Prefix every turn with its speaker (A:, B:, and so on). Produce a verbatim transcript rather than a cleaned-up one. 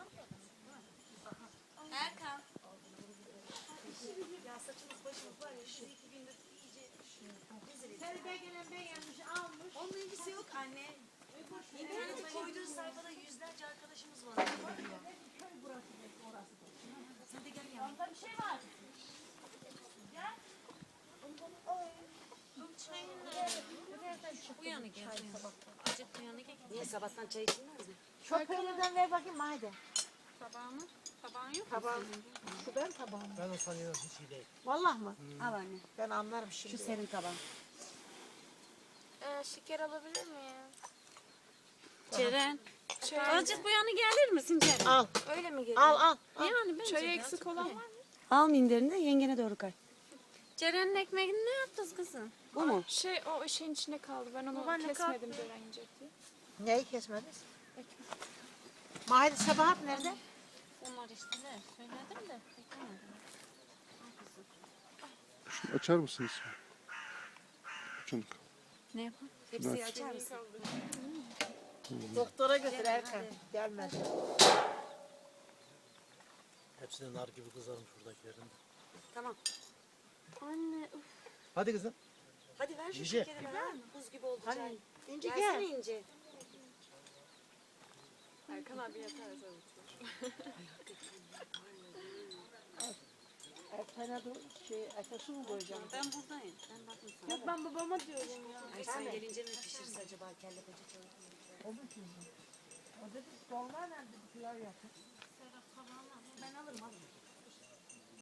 A: Erkan.
B: Ya saçımız başımız var ya şu iki gündür iyice rezil.
C: Terbiye gelen ben yanlış almış.
B: Onunla ilgisi yok anne. İnternete koyduğu sayfada yüzlerce arkadaşımız var.
C: Köy burası orası.
B: Sen de gel ya.
A: Orada bir şey var.
B: Bu yana gel. Azıcık bu yana gel.
D: Niye sabahtan çay içilmez mi?
C: Şoförlerden ver bakayım haydi.
A: Tabağımı. Tabağın yok mu?
C: Tabağım. Şu ben tabağım.
E: Ben o sanıyorum hiç iyi değil.
C: Vallahi mı?
D: Al anne.
C: Ben anlarım şimdi.
D: Şu senin taban.
A: Ee, şeker alabilir miyim?
D: Ceren.
A: Çay,
D: Azıcık bu yana gelir misin Ceren?
C: Al.
A: öyle mi geliyor?
C: Al al.
D: Yani bence.
A: Çay eksik olan var mı?
D: Al minderini de yengene doğru kay.
A: Ceren'in ekmeğini ne yaptınız kızım?
D: Bu mu?
F: Şey o şeyin içinde kaldı. Ben onu
A: Babaanne
F: kesmedim Ceren yiyecek diye.
C: Neyi kesmediniz? Mahide Sabahat nerede?
A: Onlar işte de söyledim de beklemedim.
G: Şunu açar mısınız? Şunu.
D: Ne yapalım? Hepsini açar mısın?
C: Doktora götür Erkan. Gelmedi.
E: Hepsi de nar gibi kızarmış buradakilerin.
D: Tamam.
A: Anne uf.
E: Hadi kızım.
D: Hadi ver şu
E: İnce.
D: şekeri ver. Buz gibi oldu çay.
C: Hani İnci
D: Gelsene
C: gel.
D: İnce.
F: Erkan abi yeter tabii.
C: Erkan'a da şey, Erkan'ı mı koyacağım?
D: Ben buradayım. Ben bakayım sana.
F: Yok ben babama diyorum ya.
D: Ay sen gelince mi pişirse acaba kelle paça çorba?
C: O mu şimdi? O dedi dolma nerede? Bir pilav yapın.
B: Ben alırım alırım.